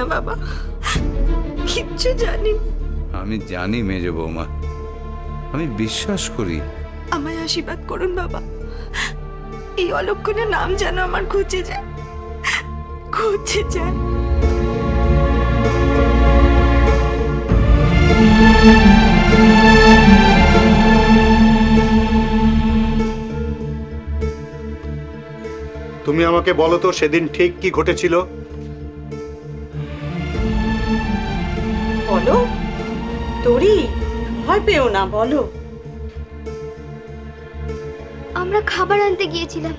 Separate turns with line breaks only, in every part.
বাবা, কিচ্ছু জানি না।
আমি জানি মেজ বৌমা, আমি বিশ্বাস করি।
আমায় আশীর্বাদ করুন বাবা, এই অলক্ষণের নাম যেন আমার ঘুচে যায়, ঘুচে যায়।
তুমি আমাকে বলো তো সেদিন ঠিক কি ঘটেছিল?
বলো তোরি, ভয় পেও না, বলো।
আমরা খাবার আনতে গিয়েছিলাম।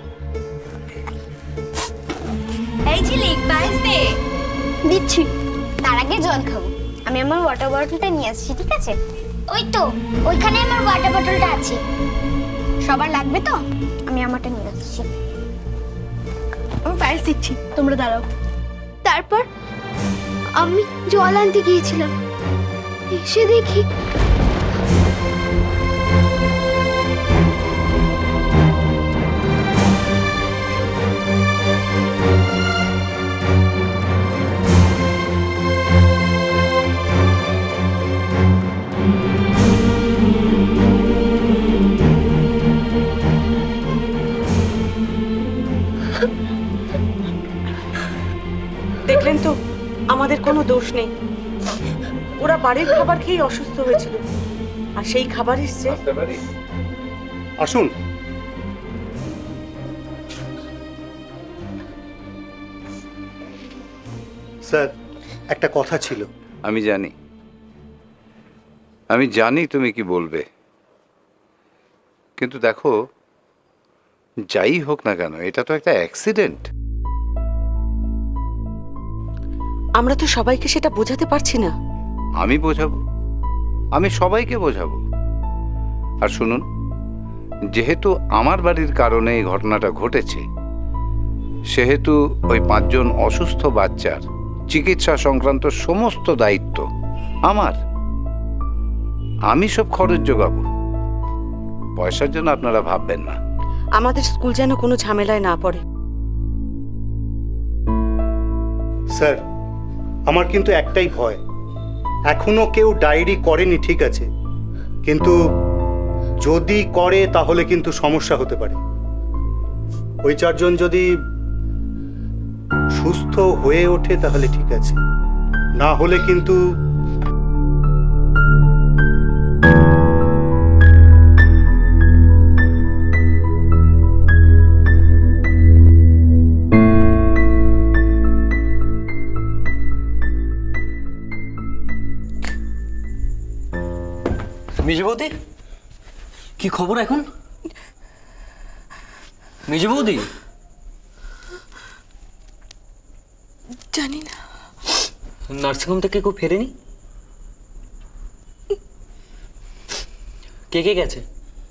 এই ঝিলিক, পায়েস দে।
দিচ্ছি, তার আগে জল খাবো। আমি আমার ওয়াটার বটলটা নিয়ে আসছি, ঠিক আছে? ওই তো ওইখানে আমার ওয়াটার বটলটা আছে। সবার লাগবে তো? আমি আমারটা নিয়ে আসছি। আমি পায়েস দিচ্ছি, তোমরা দাঁড়াও। তারপর আমি জল আনতে গিয়েছিলাম, এসে দেখি
দেখলেন তো, আমাদের কোনো দোষ নেই। ওরা বাড়ির খাবার খেয়ে অসুস্থ হয়েছিল, আর সেই খাবার এসছে।
আসুন। স্যার, একটা কথা ছিল।
আমি জানি, আমি জানি তুমি কি বলবে, কিন্তু দেখো, যাই হোক না কেন, এটা তো একটা অ্যাক্সিডেন্ট।
আমরা তো সবাইকে সেটা বোঝাতে পারছি না।
আমি বোঝাবো, আমি সবাইকে বোঝাবো। আর শুনুন, যেহেতু আমার বাড়ির কারণে এই ঘটনাটা ঘটেছে, সেহেতু ওই 5 জন অসুস্থ বাচ্চার চিকিৎসা সংক্রান্ত সমস্ত দায়িত্ব আমার। আমি সব খরচ জোগাবো, পয়সার জন্য আপনারা ভাববেন না।
আমাদের স্কুল যেন কোনো ঝামেলায় না পড়ে।
স্যার, আমার কিন্তু একটাই ভয়, এখনো কেউ ডায়েরি করেনি, ঠিক আছে, কিন্তু যদি করে তাহলে কিন্তু সমস্যা হতে পারে। ওই 4 জন যদি সুস্থ হয়ে ওঠে তাহলে ঠিক আছে, না হলে কিন্তু
মেজ বৌদি, কি খবর এখন? মেজ বৌদি,
জানি না,
নার্সিংহোম থেকে কেউ ফেরেনি? কে কে গেছে?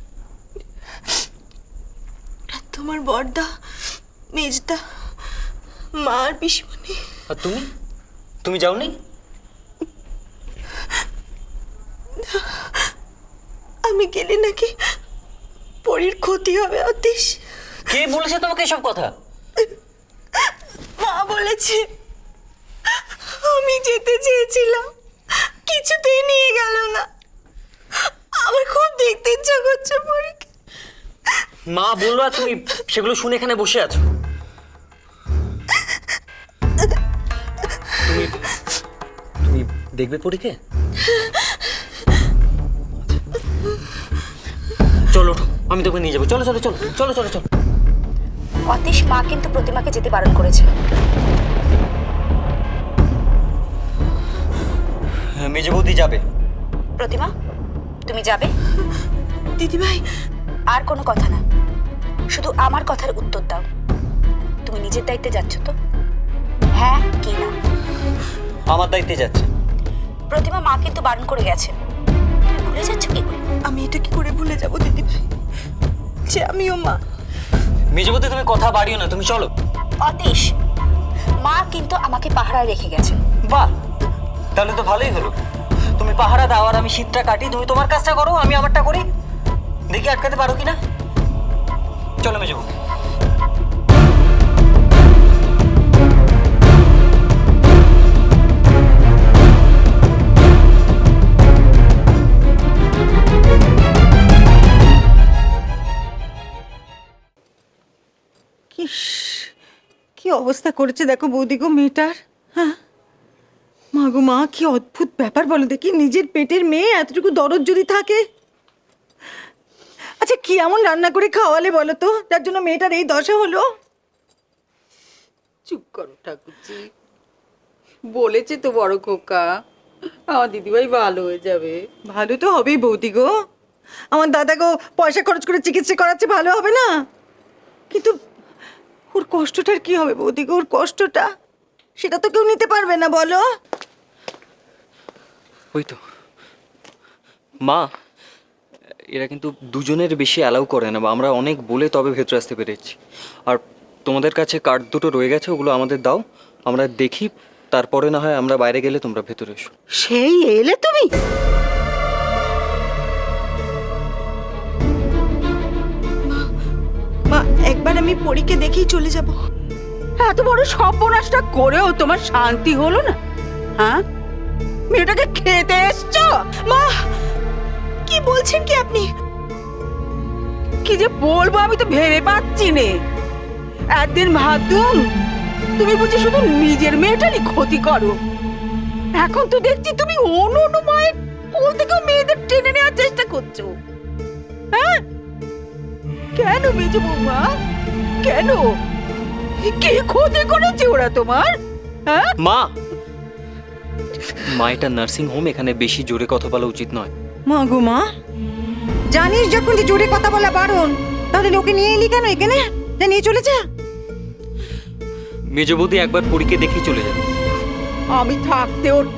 তোমার বড়দা, মেজদা, মা আর পিসিমণি।
আর তুমি, তুমি যাওনি?
আমি গেলে নাকি পরীর ক্ষতি হবে অতীশ।
কে বলেছে তোমাকে এসব কথা?
মা বলেছে। আমি যেতে চেয়েছিলাম, কিছুতেই নিয়ে গেল না। আমার খুব দেখতে ইচ্ছা করছে পরীকে।
মা বললো আর তুমি সেগুলো শুনে এখানে বসে আছো। তুমি তুমি দেখবে পরীকে? চলো, আমি তোকে নিয়ে যাবো। চলো চলো চলো চলো চলো চলো।
অতীশ মা কিন্তু প্রতিমাকে যেতে বারণ করেছে।
মেজে বৌদি যাবে।
প্রতিমা, তুমি যাবে?
দিদিভাই,
আর কোনো কথা না, শুধু আমার কথার উত্তর দাও। তুমি নিজের দায়িত্বে যাচ্ছ তো? হ্যাঁ কি না?
আমার দায়িত্বে যাচ্ছে।
প্রতিমা মা কিন্তু বারণ করে গেছেন, তুমি ভুলে যাচ্ছ কি করে?
আমি এটা কি করে ভুলে যাবো দিদিভাই, যে আমিও মা।
মেজে বৌদি, তুমি কথা বাড়িও না, তুমি চলো।
অতীশ, মা কিন্তু আমাকে পাহারায় রেখে গেছেন।
বাহ, তাহলে তো ভালোই হলো। তুমি পাহারা দাও আর আমি শীতটা কাটি। তুমি তোমার কাজটা করো, আমি আমারটা করি। দেখি আটকাতে পারো কিনা। চলো মেজে বৌদি।
কি অবস্থা করেছে দেখো বৌদি গো মেয়েটার। হ্যাঁ মা গো মা, কি অদ্ভুত ব্যাপার বলো দেখি, নিজের পেটের মেয়ে এতটুকু দরদ যদি থাকে। আচ্ছা কি এমন রান্না করে খাওয়ালে বলো তো, যার জন্য মেয়েটার এই দশা হলো?
চুপ করো ঠাকুরজি, বলেছে তো বড় খোকা আমার দিদিভাই ভালো হয়ে যাবে।
ভালো তো হবেই বৌদি গো, আমার দাদা গো পয়সা খরচ করে চিকিৎসা করাচ্ছে, ভালো হবে না? কিন্তু ওর কষ্টটার কি হবে বৌদি গো, ওর কষ্টটা সেটা তো কেউ নিতে পারবে না বলো।
ওই তো মা, এরা কিন্তু দুজনের বেশি অ্যালাউ করে না, বা আমরা অনেক বলে তবে ভেতরে আসতে পেরেছি। আর তোমাদের কাছে কার্ড দুটো রয়ে গেছে, ওগুলো আমাদের দাও, আমরা দেখি, তারপরে না হয় আমরা বাইরে গেলে তোমরা ভেতরে এসো।
সেই এলে তুমি?
মা একবার আমি পরীকে দেখেই চলে যাব।
এত বড় সর্বনাশটা করেও তোমার শান্তি হলো না? হ্যাঁ, মেয়েটাকে খেতে এসছো?
মা কি বলছেন কি আপনি?
কি যে বলবো আমি তো ভেবে পাচ্ছি নে। একদিন ভাবতুম তুমি বুঝি শুধু নিজের মেয়েটারই ক্ষতি করো, এখন তো দেখছি তুমি অন্য মায়ের কোল থেকেও মেয়েদের টেনে নেওয়ার চেষ্টা করছো। হ্যাঁ কেন মেজো বৌমা, কেন? কি ক্ষতি করেছে ওরা তোমার? হ্যাঁ
মা এটা নার্সিং হোম, এখানে বেশি জোরে কথা বলা উচিত নয়।
মা গো মা, জানিস যখন যে জোরে কথা বলা বারণ, তাহলে লোকে নিয়ে এলি কেন এখানে? যা নিয়ে চলে যা।
মেজো বৌদি একবার পরীকে দেখেই চলে যাবে।
আমি থাকতে ওর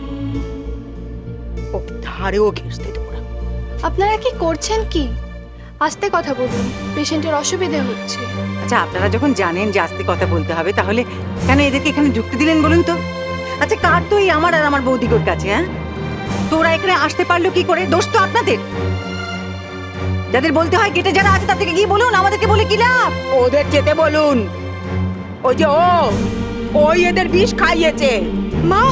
ধারেও ঘেঁষতে দেবো না।
আপনারা কি করছেন কি? আস্তে কথা বলুন, পেশেন্টের অসুবিধা হচ্ছে।
আচ্ছা আপনারা যখন জানেন যে আস্তে কথা বলতে হবে, তাহলে কেন এদেরকে এখানে যুক্তি দিলেন বলুন তো? আচ্ছা কার তো এই আমার আর আমার বৌদিগোর কাছে? হ্যাঁ তোরা এখানে আসতে পারলো কি করে? দোষ তো আপনাদের। যাদের বলতে হয় গেটে যারা আছে তাদেরকে গিয়ে বলুন, আমাদেরকে বলে কি লাভ?
ওদের যেতে বলুন, ওই যে ওই এদের বিষ খাইয়েছে।
মা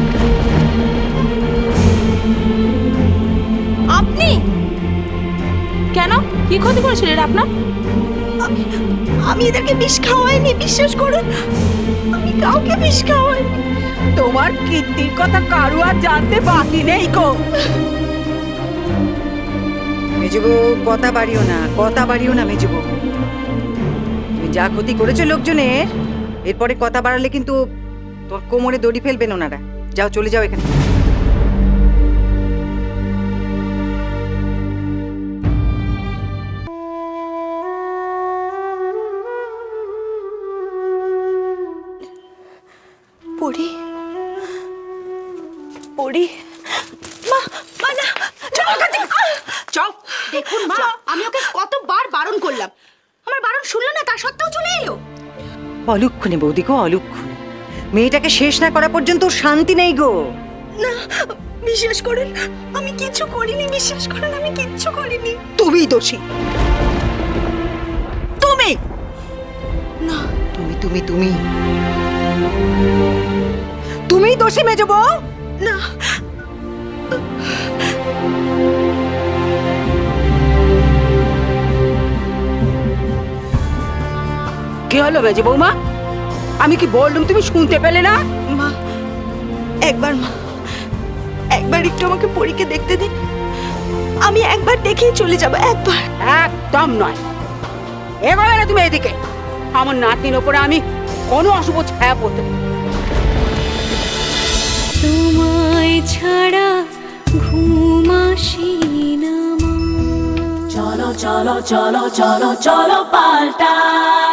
আপনি
কেন, কি ক্ষতি করেছিলেন আপনার?
আমি এদেরকে বিষ খাওয়াইনি, বিশ্বাস করুন, আমি কাউকে বিষ খাওয়াইনি।
তোমার কীর্তির কথা কারু আর জানতে বাকি নেই গো।
মেজবু কথা বাড়িও না, কথা বাড়িও না মেজবু। তুমি যা ক্ষতি করেছো লোকজনের, এরপরে কথা বাড়ালে কিন্তু তোর কোমরে দড়ি ফেলবেন ওনারা। যাও চলে যাও এখানে।
পড়ি পড়ি মা, মা না,
চল দেখুন মা, আমি ওকে কতবার বারণ করলাম, আমার বারণ শুনলো না, তা সত্ত্বেও চলে এলো।
অলুক্ষণে বৌদি গো, অলুক্ষণে। মেয়েটাকে শেষ না করা পর্যন্ত ওর শান্তি নেই গো।
না বিশ্বাস করুন, আমি কিচ্ছু করিনি, বিশ্বাস করুন আমি কিচ্ছু করিনি।
তুমি দোষী, তুমি।
না
তুমি তুমি তুমি তুমি দোষী মেজো বউ।
না
কি হলো মেজে বৌমা? আমি কি বললাম তুমি শুনতে পেলে না?
মা একবার, মা একবার একটু আমাকে পরীকে দেখতে দিন, আমি একবার দেখেই চলে যাব, একবার।
একদম নয়, এগোবে না তুমি এদিকে। আমার নাতির ওপরে আমি কোনো অশুভ ছায়া পড়তে দেব না।
তোমায় ছাড়া ঘুম আসি না মা। চলো চলো চলো চলো চলো পাল্টাই।